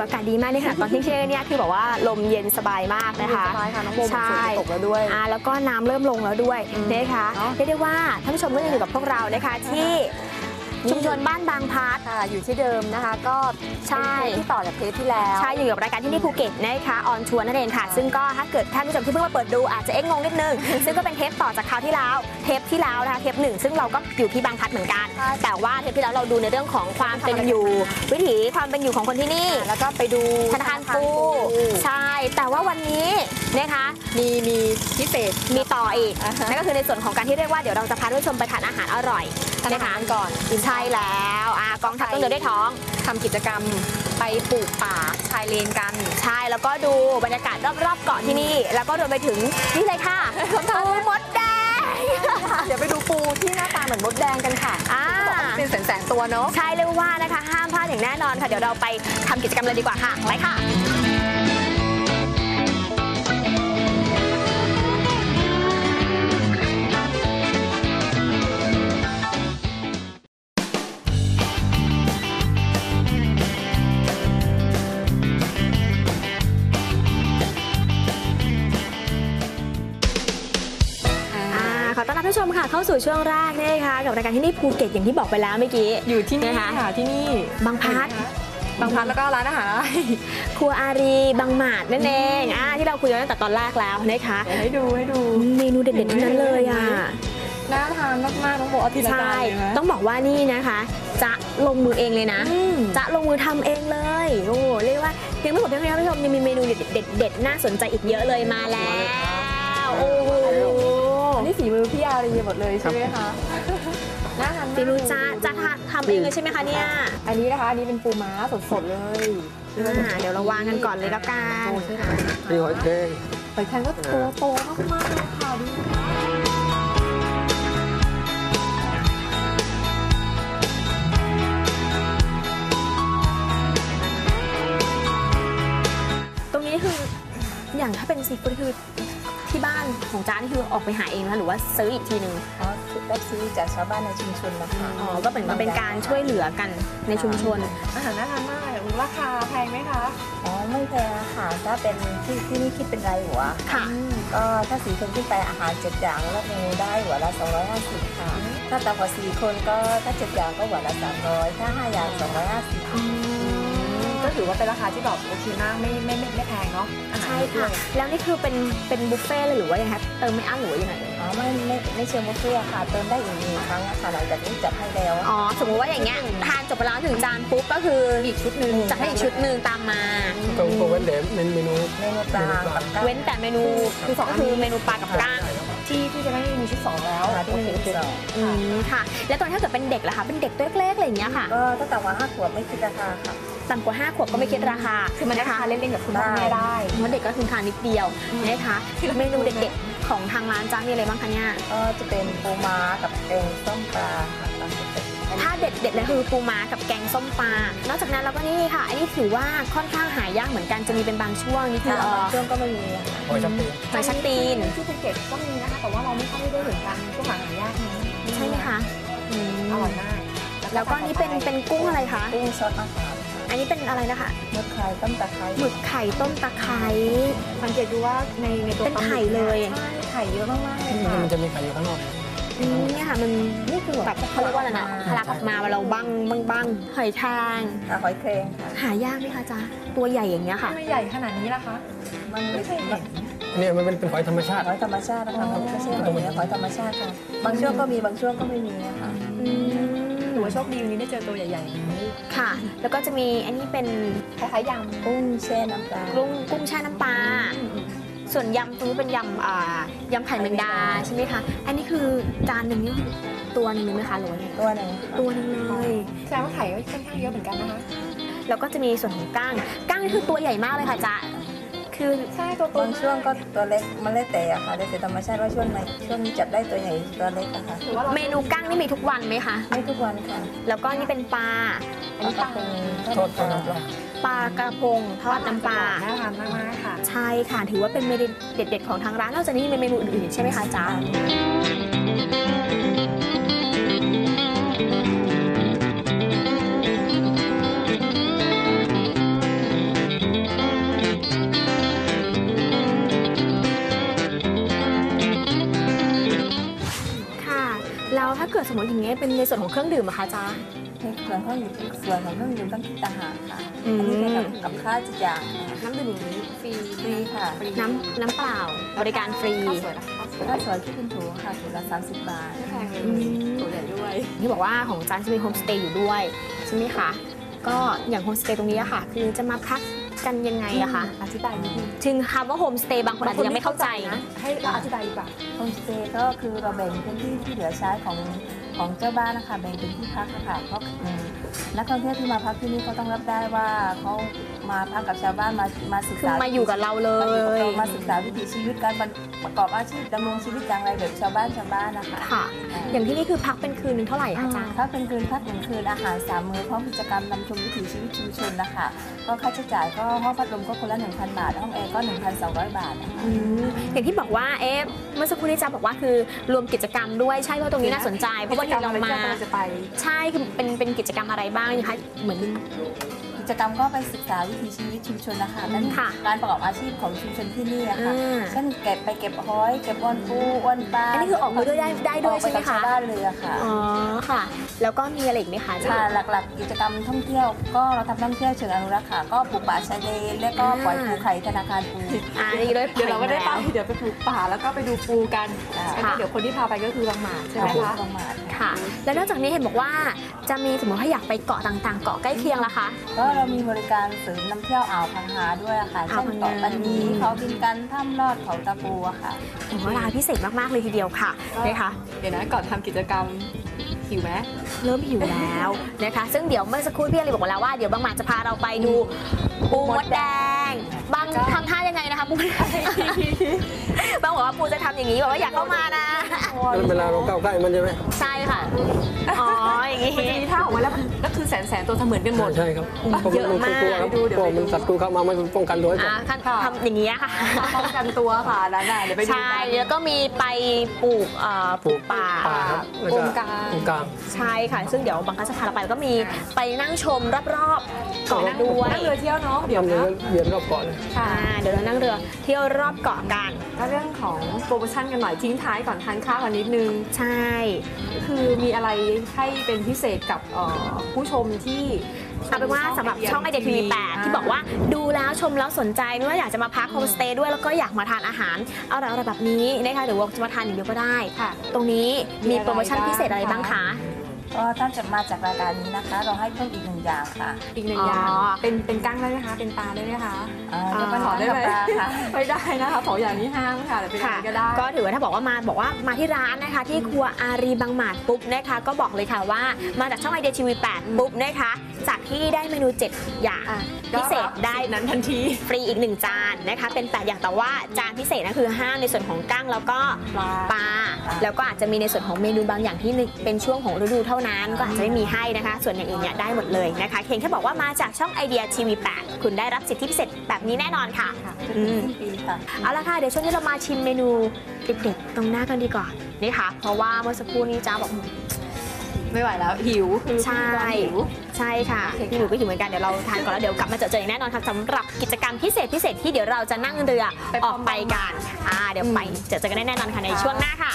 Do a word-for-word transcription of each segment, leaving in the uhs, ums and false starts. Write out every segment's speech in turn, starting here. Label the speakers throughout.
Speaker 1: อากาศดีมากเลยค่ะตอนที่เที่ยงเนี่ยคือแบบว่าลมเย็นสบายมากนะคะ
Speaker 2: สบายค่ะน้องโบฝนตกแล้วด้วย
Speaker 1: อ่าแล้วก็น้ำเริ่มลงแล้วด้วยนะคะเรียกได้ว่าท่านผู้ชมก็ยังอยู่กับพวกเรานะคะที่ชุมชนบ้านบางพัด
Speaker 2: ค่ะอยู่ที่เดิมนะคะก็
Speaker 1: ใช่
Speaker 2: ที่ต่อจากเทปที่แล้ว
Speaker 1: ใช่อยู่กับรายการที่นี่ภูเก็ตนะคะออนชวนนั่นเองค่ะซึ่งก็ถ้าเกิดท่านผู้ชมที่เพิ่งมาเปิดดูอาจจะเอ๊ะงงนิดนึงซึ่งก็เป็นเทปต่อจากคราวที่แล้วเทปที่แล้วนะคะเทปหนึ่งซึ่งเราก็อยู่ที่บางพัดเหมือนกันแต่ว่าเทปที่แล้วเราดูในเรื่องของความเป็นอยู่วิถีความเป็นอยู่ของคนที่นี่
Speaker 2: แล้วก็ไปดู
Speaker 1: ธนาคารปูใช่แต่ว่าวันนี้นะคะ
Speaker 2: มีมีพิเศษ
Speaker 1: มีต่ออีกนั่นก็คือในส่วนของการที่เรียกว่าเดี๋ยวเราจะพาท่านผู้ชมไปทานอาหารอร่อย
Speaker 2: นะคะก่อน
Speaker 1: ใช่แล้วกองทัพต้องเดินด้วยท้อง
Speaker 2: ทำกิจกรรมไปปลูกป่าชายเลนกัน
Speaker 1: ใช่แล้วก็ดูบรรยากาศรอบๆเกาะที่นี่แล้วก็รวมไปถึงนี่เลยค่ะปูมดแดง
Speaker 2: เดี๋ยวไปดูปูที่หน้าตาเหมือนมดแดงกันค่ะเป็นแสนๆตัวเนาะ
Speaker 1: ใช่เลยว่านะคะห้ามพลาดอย่างแน่นอนค่ะเดี๋ยวเราไปทำกิจกรรมเลยดีกว่าค่ะไปค่ะขอต้อนรับผู้ชมค่ะเข้าสู่ช่วงแรกนะคะกับรายการที่นี่ภูเก็ตอย่างที่บอกไปแล้วเมื่อกี้
Speaker 2: อยู่ที่นี่ค่ะที่นี่
Speaker 1: บางพัด
Speaker 2: บางพัดแล้วก็ร้านอาหารอะไร
Speaker 1: ครัวอารีบางหมาดนั่นเองอ่าที่เราคุยกันตั้งแต่ตอนแรกแล้วนะคะ
Speaker 2: ให้ดูให้ดู
Speaker 1: เมนูเด็ดๆทั้งนั้นเลยอ่ะ
Speaker 2: น่าทานมากๆต้องบอกทีละจานเลย
Speaker 1: ต้องบอกว่านี่นะคะจะลงมือเองเลยนะจะลงมือทำเองเลยโอ้เรียกว่าเพียงไม่หมดเพียงเท่านี้ผู้ชมยังมีเมนูเด็ดๆน่าสนใจอีกเยอะเลยมาแล้วโอ้โห
Speaker 2: นี่ฝีมือพี่อารีหมดเลยใช่ไหมคะน่าทาน
Speaker 1: ฝีมือจ้าจะทำเองเลยใช่ไหมคะเนี่ย
Speaker 2: อันนี้นะคะอันนี้เป็นปูม้าสดๆเลย
Speaker 1: เดี๋ยวเราวางกันก่อนเลยแล้วกัน
Speaker 3: มีหอยแครง
Speaker 2: หอยแครงก็ตัวโตมากๆเลยค่ะดู
Speaker 1: ตรงนี้คืออย่างถ้าเป็นซีฟู้ดคือที่บ้านของจ้านี่คือออกไปหาเองนะหรือว่าซื้ออีกทีหนึ่ง
Speaker 4: อ๋อได้ซื้อจากชาวบ้านในชุมชนนะคะ
Speaker 1: อ๋อก็เหมือนมาเป็นการช่วยเหลือกันในชุมชน
Speaker 2: อาหารน่าทานมากราคาแพงไหมคะ
Speaker 4: อ๋อไม่แพงค่ะถ้าเป็นที่ที่นี่คิดเป็นรายหัว
Speaker 1: ค่ะ
Speaker 4: ก็ถ้าสี่คนขึ้นไปอาหารเจ็ดอย่างแล้วเมนูได้หัวละสองร้อยห้าสิบค่ะถ้าต่ำกว่าสี่คนก็ถ้าเจ็ดอย่างก็หัวละสามร้อยถ้าห้าอย่างสองร้อยห้าสิบ
Speaker 2: ก็ถือว่าเป็นราคาที่แบบโอเคมากไม่ไม่ไม่ไม่แพงเนาะ
Speaker 1: ใช่ค่ะแล้วนี่คือเป็นเป็นบุฟเฟ่เลยหรือว่ายังไงเติมไม่อั้นหรือว่ายังไง
Speaker 4: อ๋อไม่ไม่ไม่เชิงบุฟเฟ่ค่ะเติมได้อีกหนึ่งครั้งค่ะหลังจากนี้จัดให้แล้ว
Speaker 1: อ๋อสมมติว่าอย่างเงี้ยทานจบไปแล้วถึงจานปุ๊บก็คืออีกชุดหนึ่งจะให้อีกชุดหนึ่งตามมา
Speaker 3: ตรงตัวเว้นแต่เมนู
Speaker 4: เมนูปลา
Speaker 1: เว้นแต่เมนูคือสองก็คือเมนูปลากับก้าง
Speaker 2: ที่ที่จะไม่มีชุดสองแล้ว
Speaker 4: ที่มีชุดสอง
Speaker 1: อืมค่ะแล้วตอนถ้าเกิดเป็นเด็กล่ะคะเป็นเด็กตัวเล็กๆอะไรอย่างเงี้ยค่ะ
Speaker 4: ก็ตั้งแต่วันห้าขวบไม่คิดราคาค่ะ
Speaker 1: ต่ำกว่าห้าขวบก็ไม่คิดราคา
Speaker 2: คือมันนะคะเล่นๆกับคุณพ่อแม่ได้
Speaker 1: เพราะเด็กก็คือทานนิดเดียวนะคะเมนูเด็ดๆของทางร้านจ้ามีอะไรบ้างคะเนี่ย
Speaker 4: ก็จะเป็นปูม้ากับแกงส้มปลาค่ะ
Speaker 1: ถ้าเด็ดๆเลยคือปูม้ากับแกงส้มปลานอกจากนั้นเราก็นี่ค่ะอันนี้ถือว่าค่อนข้างหายากเหมือนกันจะมีเป็นบางช่วงนี่คือ
Speaker 4: ช่วงก็ไม่มี
Speaker 3: หอยชักตีน
Speaker 1: หอยชักตีน
Speaker 2: ที่ภูเก็ตก็มีนะคะแต่ว่าเราไม่ค่อยได้เห็นกันก็หายากนะ
Speaker 1: ใช่ไหมคะ
Speaker 2: อร่อยมาก
Speaker 1: แล้วก็นี่เป็นเป็นกุ้งอะไรคะ
Speaker 4: กุ้งซอสมะขาม
Speaker 1: อันนี้เป็นอะไรนะคะ
Speaker 4: หมึกไข่ต้มตะไคร้
Speaker 1: หมึกไข่ต้มตะไคร้
Speaker 2: สังเกตดูว่าในในตัว
Speaker 1: เป็นไข่เลย
Speaker 2: ไข่เยอะมากๆเลยค่ะ
Speaker 3: มันจะมีไข่อยู่ข้างนอก
Speaker 1: นี่ค่ะมันนี่คือแบบเขาเรียกว่าอะไรนะทะลักออกมาเราบังบังบังหอยทาง
Speaker 4: หอยแครง
Speaker 1: หายากไหมคะจ๊ะตัวใหญ่อย่างเงี้ยค่ะ
Speaker 2: ไม่ใหญ่ขนาดนี้ล่ะคะ
Speaker 4: มันไม่ใช่เห็น
Speaker 3: เนี่ยมันเป็นเป็นหอยธรรมชาติ
Speaker 4: หอยธรรมชาตินะคะไม่ใช่หอยหอยธรรมชาติค่ะบางช่วงก็มีบางช่วงก็ไม่มีนะคะ
Speaker 2: ถือว่าโชคดีวันนี้ได้เจอตัวใหญ่ๆอย่างนี้
Speaker 1: ค่ะแล้วก็จะมีอันนี้เป็น
Speaker 2: คล้ายๆยำ
Speaker 4: กุ้งแช่น้ำปลา
Speaker 1: กุ้งกุ้งแช่น้ำปลาส่วนยำตรงนี้เป็นยำอ่ายำไข่แมงดาใช่ไหมคะอันนี้คือจานหนึ่งนี่ตัวหนึ่งไหมคะหรือว่าไง
Speaker 4: ตัวหนึ่ง
Speaker 1: ตัวหนึ่งเลย
Speaker 2: แสดงว่าไข่ก็ค่อนข้างเยอะเหมือนกันนะคะ
Speaker 1: แล้วก็จะมีส่วนของก้างก้างนี่คือตัวใหญ่มากเลยค่ะจ๊ะคือ
Speaker 2: ใช่ตัว
Speaker 4: บางช่วงก็ตัวเล็กมันเล็กแต่อะค่ะแต่ธรรมชาติว่าช่วงไหนช่วงนี้จับได้ตัวใหญ่ตัวเล็กอะค่ะ
Speaker 1: เมนูก้างนี่มีทุกวันไหมคะ
Speaker 4: ไม่ทุกวันค่ะ
Speaker 1: แล้วก็นี่เป็นปลา
Speaker 4: อันนี้ปลา
Speaker 3: ทอดน้ำปลา
Speaker 1: ปลากระพงทอดน้ำปลา
Speaker 2: น่าทานมากๆค่ะ
Speaker 1: ใช่ค่ะถือว่าเป็นเมนูเด็ดๆของทางร้านนอกจากนี้มีเมนูอื่นๆใช่ไหมคะจ๊ะดสมมติอย่างเงี้ยเป็นในส่วนของเครื่องดื่มอะคะจ๊ะ
Speaker 4: ในส่วนของส่วนของเครื่องดื่มต้องคิดต่างหากค่ะ
Speaker 1: อืม
Speaker 4: อันนี้เป็นกับกับข้าวเจ็ดอย่างค่ะ
Speaker 2: น้ำดื่มอย่างนี้ฟรี
Speaker 4: ฟรีค่ะ
Speaker 1: น้ำน้ำเปล่าบริการฟรี
Speaker 2: ข้าวสวยนะคะข้าวสวย
Speaker 4: ถ้าสวยที่เป็นถุงค่ะถุงละสามสิบบาท
Speaker 2: ไม่แพงเลย
Speaker 1: อืม
Speaker 2: ตัวใหญ่ด้วย
Speaker 1: ที่บอกว่าของจันจะมีโฮมสเตย์อยู่ด้วยใช่ไหมคะก็อย่างโฮมสเตย์ตรงนี้อะค่ะ คือจะมาพักกันยังไงอะคะ
Speaker 2: อธิบายนิดนึง
Speaker 1: ถึงคำว่าโฮมสเตย์บางคนอาจจะยังไม่เข้าใจนะ
Speaker 2: ให้เราอธิบายดีกว่า
Speaker 4: โฮมสเตย์ก็คือเราแบ่งพื้นที่ที่เหลือใช้ของของเจ้าบ้านนะคะแบ่งเป็นที่พักนะคะเพราะอืมนักท่องเที่ยวที่มาพักที่นี่เขาต้องรับได้ว่าเขามาพักกับชาวบ้านมามาศึก
Speaker 1: คือ
Speaker 4: ษา
Speaker 1: มาอยู่กับเราเล
Speaker 4: มาอยู่กับ
Speaker 1: ย
Speaker 4: เรามาศึกษาวิถีชีวิตการประกอบอาชีพดำรงชีวิตอย่างไรแบบชาวบ้านชาวบ้านนะคะ
Speaker 1: ค่ะ อย่างที่นี่คือพักเป็นคืนนึงเท่าไหร่คะจ๊ะ
Speaker 4: ถ้าเป็นคืนพักหนึ่งคืนอาหารสามมื้อพร้อมกิจกรรมนำชมวิถีชีวิตชุมชนนะคะก็ค่าใช้จ่ายก็ห้องพัดลมก็คนละหนึ่งพันบาทห้องแอร์ก็หนึ่งพันสองร้อยบาทนะคะ
Speaker 1: อืมอย่างที่บอกว่าเอ๊ะเมื่อสักครู่นี้จ๊ะบอกว่าคือรวมกิจกรรมด้วยใช่เพราะตรงนี้น่าสนใจเพราะว่าเดี๋ยวเรามา
Speaker 2: เราจะไป
Speaker 1: ใช่คือเป็นเป็นกิจกรรมอะไรบ้างนะคะเหมือน
Speaker 4: กิจกรรมก็ไปศึกษาวิถีชีวิตชุมชนนะคะนั่น
Speaker 1: ค่ะ
Speaker 4: การประกอบอาชีพของชุมชนที่นี่อะค่ะ
Speaker 1: อ่า
Speaker 4: เช่นเก็บไปเก็บหอยเก็บอ้วนปูอ้วนปลา
Speaker 1: อันนี้คือออกมาด้วยได้ได้ด้วยใช่ไหม
Speaker 4: ออกปกับ
Speaker 1: คะ
Speaker 4: ชาวบ้านเลยอะค่ะ
Speaker 1: อ๋อค่ะ แล้วก็มีอะไรอีกไหมคะจ๊ะ
Speaker 4: ค่ะหลักๆ กิจกรรมท่องเที่ยวก็เราทำท่องเที่ยวเชิงอนุรักษ์ค่ะก็ปลูกป่าชายเลนและก็ปล่อยปูไข่ธนาคารปู
Speaker 1: อ่านี่ด้วย
Speaker 2: เดี๋ยวเราก็ได้ไปเดี๋ยวไปปลูกป่าแล้วก็ไปดูปูกัน
Speaker 4: อ่า
Speaker 2: แล้วก็เดี๋ยวคนที่พาไปก็คือบางหมาใช่ไหม
Speaker 4: ปู
Speaker 2: คะ
Speaker 4: ประมาณ
Speaker 1: ค่ะ แล้วนอกจากนี้เห็นบอกว่าจะมีสมมติถ้าอยากไปเกาะต่างๆ เกาะใกล้เคียงล่ะคะ
Speaker 4: ก็เรามีบริการเสริมนำเที่ยวอ่าวพังหาด้วยอะค่ะ
Speaker 1: อ่าว
Speaker 4: เช่น
Speaker 1: พังงา
Speaker 4: เกาะปันนีเขาบินกันถ้ำลอดเขาตะปูอะค่ะ
Speaker 1: ถือว่าร้านพิเศษมากๆเลยทีเดียวค่ะนะคะ
Speaker 2: เดี๋ยวนะก่อนทำกิจกรรมหิวไหม
Speaker 1: เริ่มหิวแล้วนะคะ ซึ่งเดี๋ยวเมื่อสักครู่พี่อลีบอกมาแล้วว่าเดี๋ยวบางหมาจะพาเราไปดูปูมดแดง บางทำท่ายังไงนะคะปูมดแดงบางบอกว่าปูจะทำอย่างนี้บอกว่าอยากเข้ามานะ
Speaker 3: เวลาเราเข้าใกล้มันใช่ไหม
Speaker 1: ใช่ค่ะ อ๋อ อย่างนี้
Speaker 2: มันจะมีท่าออกมาแล้วมันก็คือแสนแสนตัวเหมือนกันหมด
Speaker 3: ใช่ครับเพราะ
Speaker 1: เยอะ
Speaker 3: มัน
Speaker 1: มาก
Speaker 3: กลัวครับ
Speaker 2: ดูเดี๋ยว
Speaker 3: เพราะ
Speaker 2: ไปดู
Speaker 3: มันศัตรูเข้ามามันป้องกันตัวไว้ก่อน
Speaker 1: อ่าขั้นทำอย่างนี้ค่ะ
Speaker 2: ป้องกันตัวค่ะนั่นน่ะเดี๋ยวไปดู
Speaker 1: ใช่
Speaker 2: กัน
Speaker 1: แล้วก็มีไปปลูกเอ่อปลูกป่า
Speaker 3: ป่าครับแล้ว
Speaker 2: ก
Speaker 3: ก็
Speaker 2: งกลาง
Speaker 3: ตรงกลาง
Speaker 1: ใช่ค่ะ ซึ่งเดี๋ยวบางครั้งจะพาเราไปแล้วก็มีไปนั่งชมรอบๆเกาะด้วย
Speaker 2: นั่งเรือเที่ยวเนาะเดี๋ยว
Speaker 3: ทำเรือ
Speaker 2: นะ
Speaker 3: เวียนรอบเกาะเลย
Speaker 2: ค่ะ
Speaker 1: อ่าเดี๋ยวเรานั่งเรือเที่ยวรอบเกาะกัน
Speaker 2: ก็เรื่องของโปรโมชั่นกันหน่อยทิ้งท้ายก่อนทานข้าวกันนิดนึง
Speaker 1: ใช่
Speaker 2: คือมีอะไรให้เป็นพิเศษกับเอ่อผู้ชมที่
Speaker 1: เอาเป็นว่าสำหรับช่องไอเดียทีวีแปดที่บอกว่าดูแล้วชมแล้วสนใจไม่ว่าอยากจะมาพักโฮมสเตย์ด้วยแล้วก็อยากมาทานอาหารอร่อยๆแบบนี้นะคะหรือว่าจะมาทานอย่างเดียวก็ได้
Speaker 2: ค่ะ
Speaker 1: ตรงนี้มีโปรโมชั่นพิเศษอะไรบ้างคะ
Speaker 4: ก็ถ้าจะมาจากรายการนี้นะคะ เราให้เพิ่มอีกหนึ่งอย่างค่ะ
Speaker 2: อีกหนึ่งอย่าง
Speaker 1: อ๋อ
Speaker 2: เป็นเป็นกั้งได้ไหมคะ เป็นปลาได้ไหมคะ
Speaker 4: อ่าเดี๋ยว
Speaker 1: อ่า
Speaker 4: มา
Speaker 2: ข
Speaker 4: ข
Speaker 2: อ
Speaker 4: อ
Speaker 2: ได้
Speaker 4: ได้
Speaker 2: ไหม
Speaker 4: ปลาค่ะ
Speaker 2: ไม่ได้นะคะสองอย่างนี้ห้ามค่ะแต่เป็นอะไรก็ได้
Speaker 1: ก็ถือว่าถ้าบอกว่ามาบอกว่ามาที่ร้านนะคะ ที่ครัวอารีบางหมาดปุ๊บนะคะ ก็บอกเลยค่ะว่ามาจากช่องไอเดียทีวีแปดปุ๊บนะคะจากที่ได้เมนูเจ็ดอย่าง
Speaker 2: อ่ะ
Speaker 1: พิเศษได้
Speaker 2: สิทธิ์นั้นทันที
Speaker 1: ฟรีอีกหนึ่งจานนะคะเป็นแปดอย่างแต่ว่าจานพิเศษนะคือห้ามในส่วนของกั้งแล้วก็
Speaker 2: ปลา
Speaker 1: ปลาแล้วก็อาจจะมีในส่วนของเมนูบางอย่างที่เป็นช่วงของฤดูเท่านั้นก็อาจจะไม่มีให้นะคะ ส่วนอย่างอื่นเนี่ยได้หมดเลยนะคะเพียงแค่บอกว่ามาจากช่องไอเดียทีวีแปดคุณได้รับสิทธิพิเศษแบบนี้แน่นอนค่ะ
Speaker 4: จนถึงสิ้นปีค่ะ
Speaker 1: เอาละค่ะเดี๋ยวช่วงนี้เรามาชิมเมนูเด็ดๆตรงหน้ากันดีกว่านี่ค่ะ เพราะว่าเมื่อสักครู่นี้จ้าบอก
Speaker 2: ไม่ไหวแล้วหิวคือ
Speaker 1: ใช่
Speaker 2: หิว
Speaker 1: ใช่ค่ะ
Speaker 2: โอเคค่ะ
Speaker 1: พี่หนูก็หิวเหมือนกันเดี๋ยวเราทานก่อนแล้วเดี๋ยวกลับมาเจอเจออย่างแน่นอนค่ะสำหรับกิจกรรมพิเศษพิเศษที่เดี๋ยวเราจะนั่งเรือออกไปกันอ่าเดี๋ยวไปเจอเจอกันแน่นอนค่ะในช่วงหน้าค่ะ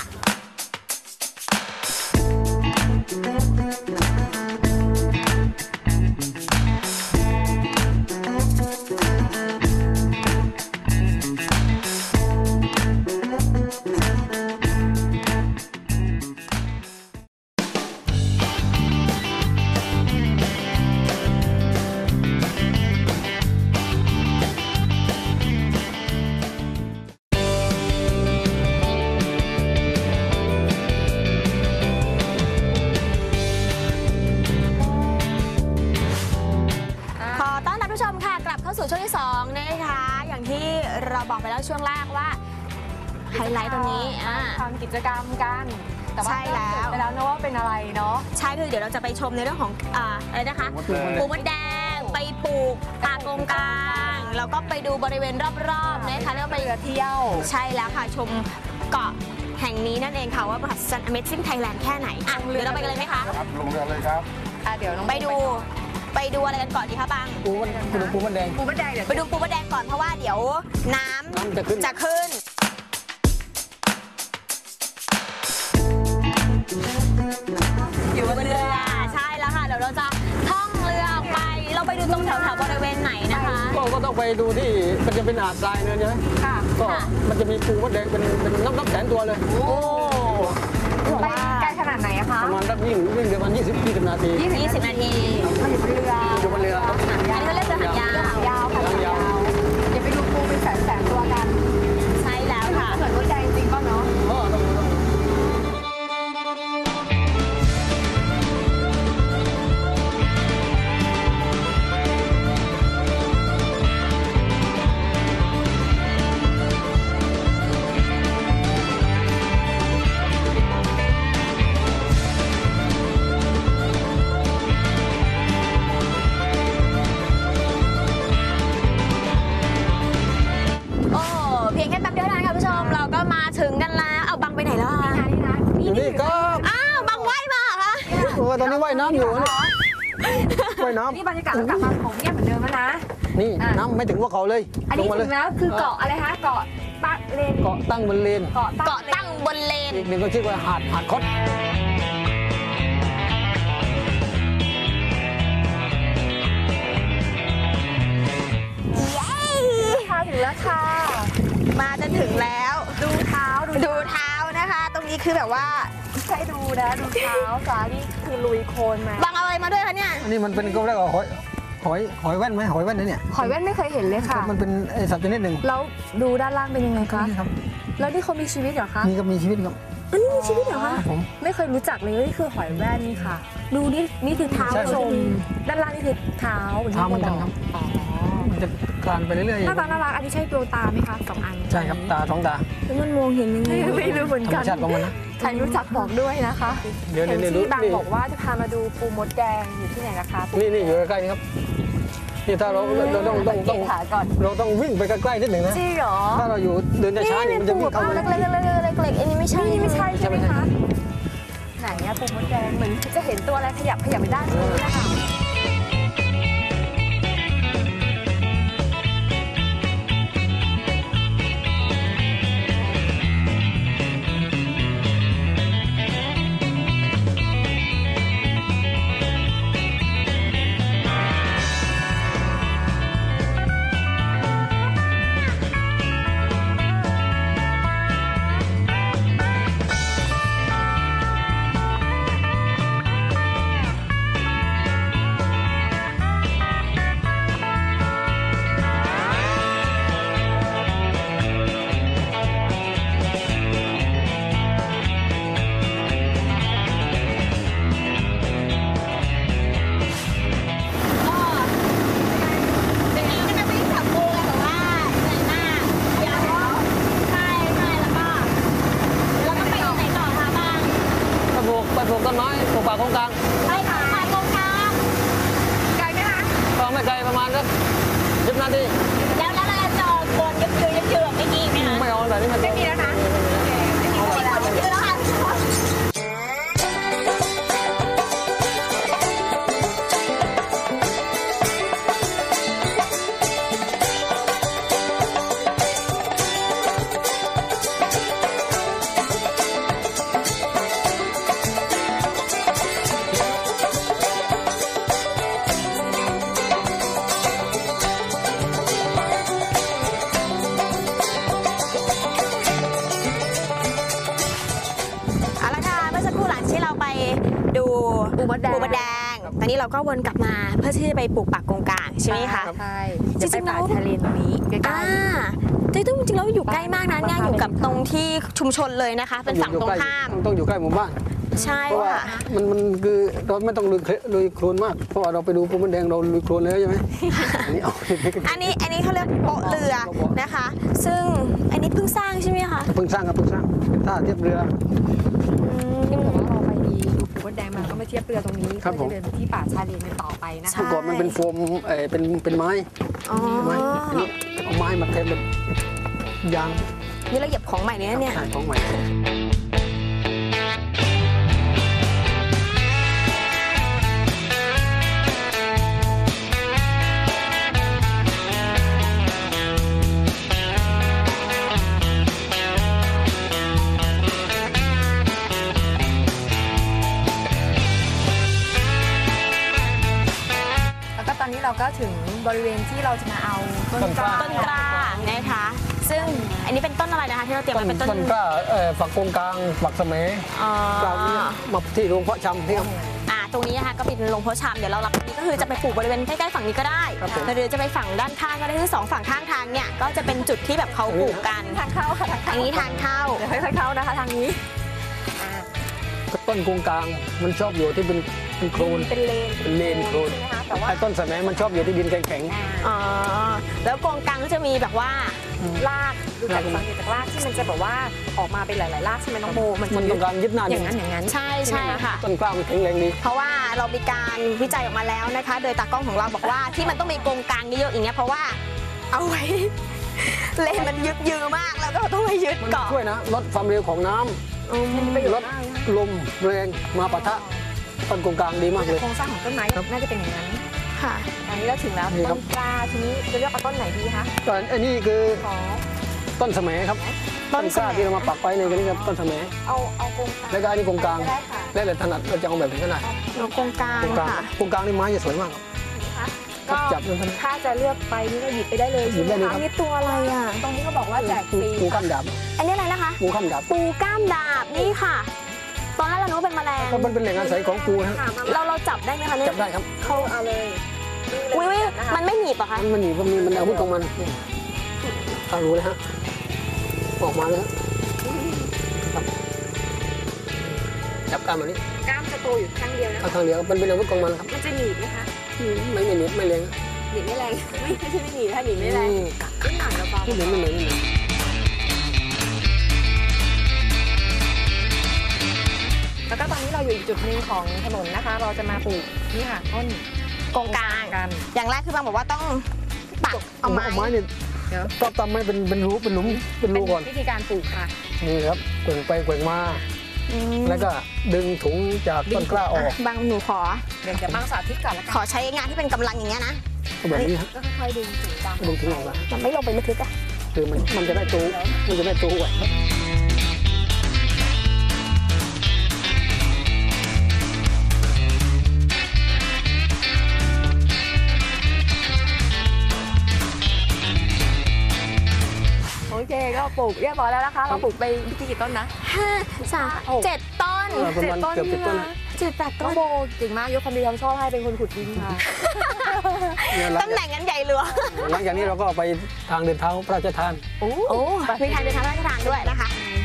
Speaker 1: ขอต้อนรับผู้ชมค่ะกลับเข้าสู่ช่วงที่สองนะคะอย่างที่เราบอกไปแล้วช่วงแรกว่าไฮไลท์ตรงนี้อ่า
Speaker 2: ทำกิจกรรมกันแต่ว่า
Speaker 1: ใช่แล้ว
Speaker 2: ไปแล้วนะว่าเป็นอะไรเนาะ
Speaker 1: ใช่คือเดี๋ยวเราจะไปชมในเรื่องของอ่าอะไรนะคะ
Speaker 3: ปูมดแดง
Speaker 1: ปูมดแดงไปปลูกป่ากงกลางแล้วก็ไปดูบริเวณรอบๆนะคะแล้วก็ไป
Speaker 2: เรือเที่ยว
Speaker 1: ใช่แล้วค่ะชมเกาะแห่งนี้นั่นเองค่ะว่าประทับ Amazing Thailand แค่ไหนอ่ะเดี๋ยวเราไปกันเลยไหมคะ
Speaker 5: ครับลงเรือเลยครับ
Speaker 2: อ่ะเดี๋ยวน้อง
Speaker 1: ไปดูไปดูอะไรกันก่อนดีคะบัง
Speaker 3: ปูมันปูปูมันแดง
Speaker 2: ปูมดแดงเดี๋ยว
Speaker 1: ไปดูปูมดแดงก่อนเพราะว่าเดี๋ยวน้ำ
Speaker 3: น้ำจะขึ้น
Speaker 1: จะขึ้น
Speaker 5: ค
Speaker 3: ต้องไปดูที่มันจะเป็นหาดทรายเนินใช่ไหม
Speaker 2: ค่ะ
Speaker 3: ก็มันจะมีปูมดแดงเป็นเป็นนับนับแสนตัวเลย
Speaker 2: โอ้ไปไกลขนาดไหนอะคะ
Speaker 3: ประมาณสักวิ่งวิ่งเดี๋ยวมันยี่สิบยี่สิบนาที
Speaker 1: ยี่สิบนาที
Speaker 2: มันอยู่บนเรือ
Speaker 3: อยู่บนเรือครับ
Speaker 1: อันนี้เขาเรียกเรือหางยาว
Speaker 2: หางยาวค่ะหางยาวเดี๋ยวไปดูปูเป็นแสนแสนตัวกัน
Speaker 1: ใช่แล้วค่ะ
Speaker 2: เหมือนมดแดงจริงป่ะเนาะ
Speaker 3: ก็ต้องต้อง
Speaker 1: โอ้เพียงแค่แป๊บเดียวเท่านั้นค่ะผู้ชมเราก็มาถึงกันแล้วเอาบังไปไหนแล้วอะ
Speaker 2: นี่นะ
Speaker 3: อยู่นี่ก็
Speaker 1: อ้าวบังว่ายมาเหรอคะ
Speaker 3: โอ้ตอนนี้ว่ายน้ำอยู่เนี่ยว่ายน้
Speaker 2: นี่บรรยากาศกลับมาของเงียบเหมือนเดิมแล้วนะ
Speaker 3: ำนี่น้ำไม่ถึงหัว่าเขาเลย
Speaker 2: อัน
Speaker 3: ล
Speaker 2: นี้
Speaker 3: งมาเล
Speaker 2: ถึ
Speaker 3: ย
Speaker 2: งแล้วคือเกาะอะไรคะเกาะตั้งเลน
Speaker 3: เกาะตั้งบนเลน
Speaker 2: เกาะ
Speaker 1: เกาะตั้งบนเลน
Speaker 3: อีกหนึ่งก็ชื่อว่าหาดหาดคด
Speaker 1: เย้
Speaker 2: ค่ะถึงแล้วค่ะ
Speaker 1: มาจนถึงแล้ว
Speaker 2: ดูเท้าดู
Speaker 1: ดูเท้านะคะ ตรงนี้คือแบบว่า
Speaker 2: ใช่ดูนะดูเท้าสานี่คือลุยโคลนมา
Speaker 1: บังเอาอะไรมาด้วยคะเนี่ย
Speaker 3: อันนี้มันเป็นก็เรียกว่าหอยหอยหอยแว่นไหมหอยแว่นนะเนี่ย
Speaker 2: หอยแว่นไม่เคยเห็นเลยค่ะ
Speaker 3: มันเป็นไอสัตว์ชนิดหนึ่ง
Speaker 2: แล้วดูด้านล่างเป็นยังไงคะ
Speaker 3: นี่ครับ
Speaker 2: แล้วนี่เขามีชีวิตเหรอคะ
Speaker 3: นี่ก็มีชีวิตครับ
Speaker 2: อันนี้มีชีวิตเหรอคะ
Speaker 3: ผม
Speaker 2: ไม่เคยรู้จักเลยนี่คือหอยแว่นนี่ค่ะ ดูนี่นี่คือเท้า
Speaker 3: ใช่
Speaker 2: ชมด้านล่างนี่คือเท้าเหมือนที่
Speaker 3: เท้าเหมือนกันครับ
Speaker 2: อ๋อ
Speaker 3: มันจะคลานไปเรื่อย
Speaker 2: หน้าตาน่ารักอันนี้ใช่ดวงตาไหมคะสองอัน
Speaker 3: ๆใช่ครับตาท้องตา
Speaker 1: แล้วมันมองเห็นยังไง
Speaker 2: ไม่รู้เหมือน
Speaker 3: ธรร
Speaker 2: กั
Speaker 3: ม
Speaker 2: น
Speaker 3: ชาติของมันนะ
Speaker 2: ใครรู้จักบอกด้วยนะคะ
Speaker 3: เดี๋ยว
Speaker 2: เห็น
Speaker 3: นี่ดู
Speaker 2: ที่บาง
Speaker 3: นี่
Speaker 2: บอกว่าจะพามาดูปูมดแดงอยู่ที่ไหนนะคะ
Speaker 3: นี่นี่อยู่ใกล้ๆนี่ครับนี่ถ้าเราเราต้องต้องต้อง
Speaker 2: ขาก่อน
Speaker 3: เราต้องวิ่งไปใกล้ๆนิดหนึ่งนะ
Speaker 2: จริงเหรอ
Speaker 3: ถ้าเราอยู่เดินช้าๆนี่มันจะวิ่งเข้ามา
Speaker 1: เล็กๆเล็กๆเล็กๆเล็กๆอันนี้ไม่ใช่
Speaker 2: นี่ไม่ใช่ใช่ไหมคะไหนอะปูมดแดงเหมือนจะเห็นตัวอะไรขยับขยับไปด้านนู้นนะคะ
Speaker 1: เป็นไงก็จะวิ่งจับปูกันแบบว่าเหนื่อยมากเดี๋ยวใช่ใช่แล้วก็แล้วก็ไปไหนต่อคะบ้าง
Speaker 3: ไปปลูกไปปลูกต้นไม้ปลูกป่าโครงกลาง
Speaker 1: ไปค่ะไปโครงการ
Speaker 2: ไกลไหมคะ
Speaker 3: ก็ไม่ไกลประมาณสักสิบนาที
Speaker 1: แล้วแล้วเราจะจองคนยึบยืนยึบยืนแบบไม่มีไหมคะ
Speaker 3: ไม่เอาแบบนี้มัน
Speaker 2: ไม่มีแล้วนะ
Speaker 1: ไม่มีคนยึบยืนแล้วค่ะ เอาละค่ะเมื่อสักครู่หลังที่เราไปดู
Speaker 2: ปูมดแดง
Speaker 1: ปูมดแดง ตอนนี้เราก็วนกลับมาเพื่อที่จะไปปลูกปักกงกลางใช่ไหมคะ
Speaker 2: ใช่
Speaker 1: จริงๆ
Speaker 2: เดี๋ยวไปป่า
Speaker 1: แล้ว
Speaker 2: ทะเลตรงนี้ใกล้
Speaker 1: อ่าจริงๆจริงๆแล้วอยู่ใกล้มากนะเนี่ยอยู่กับตรงที่ชุมชนเลยนะคะ เป็นฝั่งตรงข้าม
Speaker 3: ต้องอยู่ใกล้หมู่บ้าน
Speaker 1: ใช่
Speaker 3: เพราะว่า
Speaker 1: ค่ะ
Speaker 3: มันมันคือเราไม่ต้องลุยลุยโคลนมากเพราะว่าเราไปดูปูมันแดงเราลุยโคลนแล้วใช่ไหมอันนี้เอา
Speaker 1: อันนี้อันนี้เขาเรียกโป๊ะเรือนะคะ ซึ่งอันนี้เพิ่งสร้างใช่ไหมคะ
Speaker 3: เพิ่งสร้างครับเพิ่งสร้างเป็นท่าเทียบเรือ
Speaker 2: ๆที่เหมือนว่าเราไปดูปูมดแดงมาก็มาเทียบเรือตรงนี้
Speaker 3: ครับผม
Speaker 2: เพื่อจะเดินไปที่ป่าชาเลนกันต่อไปนะ
Speaker 1: ใช่
Speaker 2: คะ
Speaker 3: เมื่อก่อนมันเป็นโฟมเออเป็นเป็นไม้
Speaker 1: อ๋อ
Speaker 3: ไม้อันนี้เอาไม้มาเทเป็นยาง
Speaker 1: นี่เราเหยียบของใหม่เนี่ยเนี่ย
Speaker 3: ขายของใหม่
Speaker 2: แล้วก็ตอนนี้เราก็ถึงบบริเวณที่เราจะมาเอาต้นกล้า
Speaker 1: ต้นกล้านะคะ ซึ่งอันนี้เป็นต้นอะไรนะคะที่เราเตรียม
Speaker 3: ต้น
Speaker 1: ไว้เป็นต้น
Speaker 3: ต้นกล้าเอ่อฝักโกงกลางฝักเสม
Speaker 1: อ๋อก
Speaker 3: ลางเนี่ยมาที่โรงเพาะชำที่ครับ
Speaker 1: อ่าตรงนี้นะคะก็เป็นโรงเพาะชำเดี๋ยวเรารับนี้ก็คือจะไปปลูกบริเวณใกล้ๆฝั่งนี้ก็ได้
Speaker 3: ครับผม
Speaker 1: หรือจะไปฝั่งด้านข้างก็ได้คือสองฝั่งข้างทางเนี่ยก็จะเป็นจุดที่แบบเขาปลูกกัน
Speaker 2: ทางเข้าค่ะทาง
Speaker 1: อั
Speaker 2: เข้าน
Speaker 1: นี้ทางเข้า
Speaker 2: เดี๋ยวค่อยๆเข้านะคะทางนี้อ่า
Speaker 3: ต้นโกงกลางมันชอบอยู่ที่เป็นเป็นโคลน
Speaker 2: เป็นเลน
Speaker 3: เป็นเลนโคลน
Speaker 2: ใช่ไหมคะแต่ว่า
Speaker 3: ไอ้ต้นสะแหมมันชอบอยู่ที่ดินแข็ง
Speaker 1: อ๋อแล้วกองกลางก็จะมีแบบว่า
Speaker 2: รากดูจากสังเกตจากรากที่มันจะแบบว่าออกมาเป็นหลายๆรากใช่ไหมน้องโบมัน
Speaker 3: ๆ
Speaker 2: จะ
Speaker 3: มัน
Speaker 2: มี
Speaker 3: ต้องการยึดหน้า
Speaker 2: อ
Speaker 3: ดิ
Speaker 2: ย่าน งนั้นอย่างนั้น
Speaker 1: ใช่ใช่ค่ะ
Speaker 3: ต้นกล้ามันแข็งแรงดี
Speaker 1: เพราะว่าเรามีการวิจัยออกมาแล้วนะคะ โดยตากล้องของเราบอกว่าที่มันต้องมีกรงกลางเยอะๆอย่างเงี้ยเพราะว่าเอาไว้ เลนมันยึดยือมากแล้วก็ต้องไปยึด
Speaker 3: มัน
Speaker 1: เกาะ
Speaker 3: ช่วยนะลดความเร็วของน้ำ
Speaker 1: อืม
Speaker 3: ลดลมแรงมาปะทะต้นโกงกลางดีมากเลย
Speaker 2: โครงสร้างของต้นไม้
Speaker 3: ครับ
Speaker 2: น่าจะเป็นอย่างนั้น
Speaker 1: ค่ะ
Speaker 2: อันนี้เราถึงแล้ว
Speaker 3: นี่ครั
Speaker 2: ต้
Speaker 3: บ
Speaker 2: นกล้าทีนี้จะเลือกเอาต้นไหนดีคะ
Speaker 3: ก็อันนี้คือ
Speaker 2: ขอ
Speaker 3: ต้นสะแหมครับ
Speaker 1: ต้
Speaker 3: ต้
Speaker 1: น
Speaker 3: น
Speaker 1: สะ
Speaker 3: ก
Speaker 1: แหม
Speaker 3: ล้าที่เรามาปักไว้ในนี้ครับต้นสะแหม
Speaker 2: เอาเอาโครงกลาง
Speaker 3: แล้วก็อันนี้โกงกลาง
Speaker 2: ได้ค่ะ
Speaker 3: แล้วแต่ถนัดเราจะเอาแบบไหนก็ได้
Speaker 1: เรากรงกลาง
Speaker 3: โกงกลาง
Speaker 1: ค่ะ
Speaker 3: โกงกลางนี่ไม้จะสวยมากครับ
Speaker 2: ก็
Speaker 3: จับเลยครับ
Speaker 2: ถ้าจะเลือกไปนี่ก็หยิบไปได้เลย
Speaker 3: หยิบได้เลย
Speaker 2: ใช่
Speaker 1: อัน
Speaker 2: ไหม
Speaker 1: นี้ตัวอะไรอ่ะ
Speaker 2: คะตรงนี้เขาบอกว่าแจกฟ
Speaker 3: ปู
Speaker 2: รี
Speaker 3: ปูข้ามดาบ
Speaker 1: อันนี้อะไรนะคะ
Speaker 3: ปูข้ามดาบ
Speaker 1: ปูก้ามดาบนี่ค่ะ ตอนแรกเรานึกว่าเป็นแมลง
Speaker 3: เพราะมันเป็นแหล่งอาศัยของปูนะ
Speaker 2: ค่ะมา
Speaker 1: เราเราจับได้ไหมคะเนี่ย
Speaker 3: จับได้ครับ
Speaker 2: เขาเอาเลย
Speaker 1: อุ้ยอุ้ยมันไม่หนีบเหรอคะ
Speaker 3: มันมันหนีบมันมีมันอาวุธของมันถ้ารู้เลยฮะออกมาเลยฮะครับจับกล้ามอันนี้
Speaker 2: กล้ามจะโตอยู่ข้างเดียวนะ
Speaker 3: เอาทางเดียวมันเป็นอาวุธของมันครับ
Speaker 2: มันจะหนีบไหมคะ
Speaker 3: อืมไม่ไม่หนีบไม่แรง
Speaker 2: หนีบไม่แรง ไม่ไม่ใช่ไม่หนีบถ้าหนีบไม่แรง
Speaker 3: อืม
Speaker 2: ขึ้นหนังเราเบา
Speaker 3: ไม่เหนีบไม่เหนีบไม่เหนีบ
Speaker 2: แล้วก็ตอนนี้เราอยู่อีกจุดหนึ่งของถนนนะคะ เราจะมาปลูกนี่ค่ะต้น
Speaker 1: กรงกลาง
Speaker 2: กัน
Speaker 1: อย่างแรกคือบางบอกว่าต้องปักเอาไม้
Speaker 3: เอาไม้เนี่ย
Speaker 2: เดี๋ยว
Speaker 3: ก็ทำให้เป็นเป็นรูเป็นหลุมเป็น
Speaker 2: เป็
Speaker 3: รู
Speaker 2: น
Speaker 3: ก่อน
Speaker 2: วิธีการปลูกค่ะ
Speaker 3: นี่ครับแกว่งไปแกว่งมา
Speaker 1: อืม
Speaker 3: แล้วก็ดึงถุงจากต้นกล้าออก
Speaker 1: บางหนูขอ
Speaker 2: เดี๋ยวจะบางสาธิตก่อนละ
Speaker 1: ข
Speaker 2: กัน
Speaker 1: อใช้งานที่เป็นกำลังอย่างเงี้ยนะ
Speaker 3: ก็แบบนี้ฮะ
Speaker 2: ก็ค่อยๆดึงถึงตาม
Speaker 3: ดึงถุงออกมา
Speaker 1: มันไม่ลงไปลึกๆอะ
Speaker 3: คือมันมันจะได้ตัวมันจะได้ตัวไหว
Speaker 2: โอเคก็ปลูกเรียบร้อยแล้วนะคะ เราปลูกไปที่กี่ต้นนะ
Speaker 1: ห้าสามเจ็ดต้น
Speaker 3: ประมาณเกือบสิบต้น
Speaker 1: เจ็ดแปด
Speaker 2: น้
Speaker 1: ต้
Speaker 2: อง
Speaker 1: น
Speaker 2: โบเก่งมากยกความดีความชอบให้เป็นคนขุดดินค่ะ
Speaker 3: เนี่ยหลัง
Speaker 1: ตำแหน่งนั้นใหญ่เหลือ
Speaker 3: หลังจากนี้เราก็ไปทางเดินเท้าพระราชทาน
Speaker 2: โอ้
Speaker 1: โอ้มีทางเดินทางราชทานด้วยนะคะ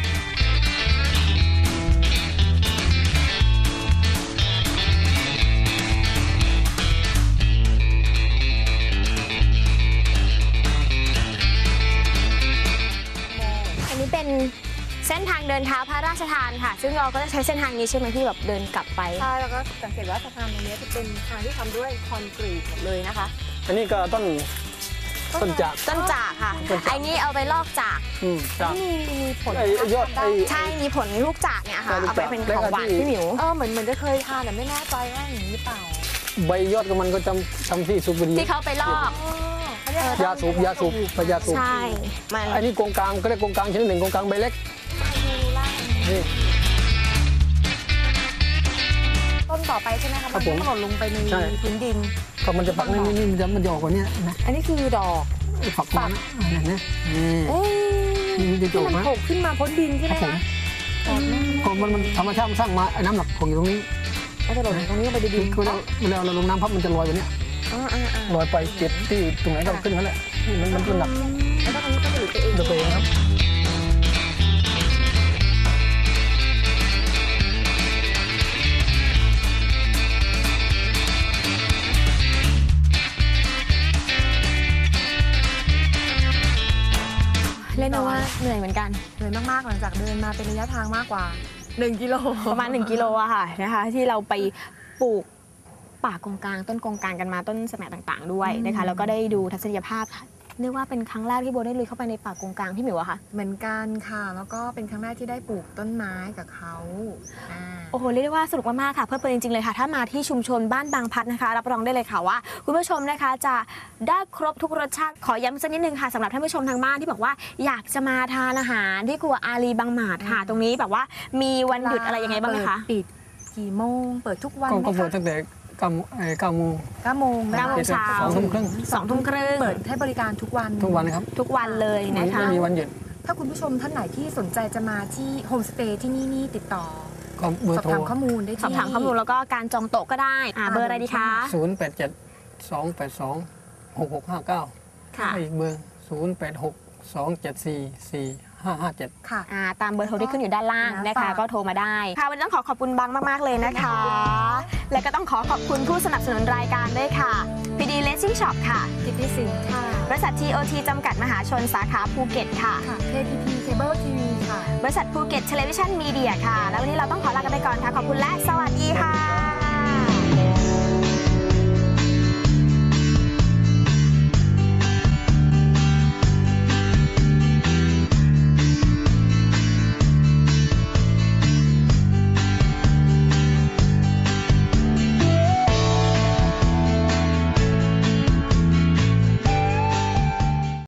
Speaker 1: อันนี้เป็นเส้นทางเดินเท้าพระราชทานค่ะ ซึ่งเราก็จะใช้เส้นทางนี้ใช่ไหมที่แบบเดินกลับไป
Speaker 2: ใช่แล้วก็สังเกตว่าสะพานตรงนี้จะเป็นทางที่ทำด้วยคอนกรีตหมดเลยนะคะ
Speaker 3: อันนี้ก็ต้นต้นจาก
Speaker 1: ต้นจากค่ะ
Speaker 3: ต้นจาก
Speaker 1: ไอ้นี่เอาไปลอกจาก
Speaker 3: อืมจาก
Speaker 2: มีมีผล
Speaker 3: ไอ้ไอ้ยอดไอ้
Speaker 1: ใช่ มีผลลูกจากเนี่ยค่ะ
Speaker 3: ใช่ลูก
Speaker 1: เอาไป
Speaker 3: จาก
Speaker 1: เป็น
Speaker 3: แล้ว
Speaker 1: ข
Speaker 3: ก็
Speaker 1: องหวาน
Speaker 3: ที่
Speaker 1: พี่หมิว
Speaker 2: เออเหมือนเหมือนจะเคยทานแต่ไม่แน่ใจว่าอย่างนี้หรือเปล่า
Speaker 3: ใบยอดของมันก็จำทำที่สูบบุหรี่
Speaker 1: ที่เขาไปลอก
Speaker 2: อ๋อเขาเรียกอะไร
Speaker 3: ยาสูบยาสูบพยาสูบ
Speaker 1: ใช่ มัน
Speaker 3: อันนี้กงกลางก็เรียกกงกลางชนิดหนึ่งกงกลางใบเล็กนี่
Speaker 2: ต้นต่อไปใช่ไหมคะ
Speaker 3: ครับผม
Speaker 2: มันหล่นลงไปใน
Speaker 3: ใช่
Speaker 2: พื้นดิน
Speaker 3: ก็มันจะปักนี่นี่มันจะมันจะออกกว่านี้นะ
Speaker 2: อันนี้คือดอก
Speaker 3: ฝักของมันนะอ่าเนี่ยนี่
Speaker 2: เอ๊ะ
Speaker 3: นี่มันจะโจ
Speaker 2: ที่
Speaker 3: ก
Speaker 2: มัน
Speaker 3: นะ
Speaker 2: โผล่ขึ้นมาพ้นดินใช่
Speaker 3: ค
Speaker 2: ไหม
Speaker 3: รับผม
Speaker 2: คะ
Speaker 3: ก็มันมันธรรมชาติมันสร้างมาไอ้น้ำหนักของอยู่ตรงนี้
Speaker 2: แล้วจะหล่นตรงนี้ลงไปในดิน
Speaker 3: คือเราเวลาเราลงน้ำพับมันจะลอยแบบเนี้ย
Speaker 2: อ่าอ่าอ่า
Speaker 3: ลอยไปเจ็บที่ตรงไหนก็ขึ้นนั่นแหละนี่มันมันมันหนัก
Speaker 2: แล้วก็ตรงนี้ก็จะหลุดไปเอง
Speaker 3: เดือดตัวเองครับ
Speaker 1: เล่นว่าเหนื่อยเหมือนกัน
Speaker 2: เหนื่อยมากๆหลังจากเดินมาเป็นระยะทางมากกว่าหนึ่งกิโล
Speaker 1: ประมาณหนึ่งกิโลอะค่ะนะคะ ที่เราไปปลูกป่ากงกลาง ต้นกงกลางกันมาต้นสมัยต่างๆ ด้วยนะคะ แล้วก็ได้ดูทัศนียภาพเรียกว่าเป็นครั้งแรกที่โบได้ลุยเข้าไปในป่ากงกลางพี่หมิวอะค่ะ
Speaker 2: เหมือนกันค่ะ แล้วก็เป็นครั้งแรกที่ได้ปลูกต้นไม้กับเขาอ่า
Speaker 1: โอ้โหเรียกได้ว่าสนุกมากๆค่ะเพลิดเพลินจริงๆเลยค่ะ ถ้ามาที่ชุมชนบ้านบางพัดนะคะรับรองได้เลยค่ะว่าคุณผู้ชมนะคะจะได้ครบทุกรสชาติขอย้ำสักนิดนึงค่ะสำหรับท่านผู้ชมทางบ้านที่บอกว่าอยากจะมาทานอาหารที่ครัวอารีบางหมาดค่ะ ตรงนี้แบบว่ามีวันหยุดอะไรยังไงบ้างไหมคะ
Speaker 2: เปิดปิดกี่โมง เปิดทุกวัน
Speaker 3: ก็
Speaker 2: ไหม
Speaker 3: ก็เปิด
Speaker 2: คะ
Speaker 3: ตั้งแต่เก้าเก้าโมง
Speaker 2: เก้าโมงนะ
Speaker 1: เก้าโมง
Speaker 2: คะ
Speaker 1: เช้า
Speaker 3: สองทุ่มครึ่ง
Speaker 1: สองทุ่มครึ่ง
Speaker 2: เปิดให้บริการทุกวัน
Speaker 3: ทุกวันนะครับ
Speaker 1: ทุกวันเลยนะคะ
Speaker 3: ไม่มีวันหยุด
Speaker 2: ถ้าคุณผู้ชมท่านไหนที่สนใจจะมาที่โฮมสเตย์ที่นี่นี่ติดต่อ
Speaker 3: ก็เบอ
Speaker 2: สอ
Speaker 3: ร์
Speaker 2: บ
Speaker 3: โทร
Speaker 2: ถามข้อมูลได้ที่
Speaker 1: สอบถามข้อมูลแล้วก็การจองโต๊ะก็ได้อ่าเบอร์อะไรดีคะ
Speaker 3: ศูนย์แปดเจ็ดสองแปดสองหกหกห้าเก้า
Speaker 1: ค่ะ
Speaker 3: อีกเบอร์ศูนย์แปดหกสองเจ็ดสี่สี่ห้าห้าเจ็ด
Speaker 2: ค่ะ
Speaker 1: อ่าตามเบอร์โทรที่ขึ้นอยู่ด้านล่างนะ
Speaker 2: ฝา
Speaker 1: คะ
Speaker 2: ก
Speaker 1: ก็โทรมาได้ค่ะวันนี้ต้องขอขอบคุณบังมากๆเลยนะคะ และก็ต้องขอขอบคุณผู้สนับสนุนรายการด้วยค่ะ พี ดี Racing Shop ค่ะ
Speaker 2: กิตติสินค่ะ
Speaker 1: บริษัท ที โอ ที จำกัดมหาชนสาขาภูเก็ตค่ะ
Speaker 2: ค่ะ เค พี พี Cable ที วี ค่ะ
Speaker 1: บริษัทภูเก็ตเทเลวิชั่นมีเดียค่ะ แล้ววันนี้เราต้องขอลากันไปก่อนค่ะ ขอบคุณและสวัสดีค่ะ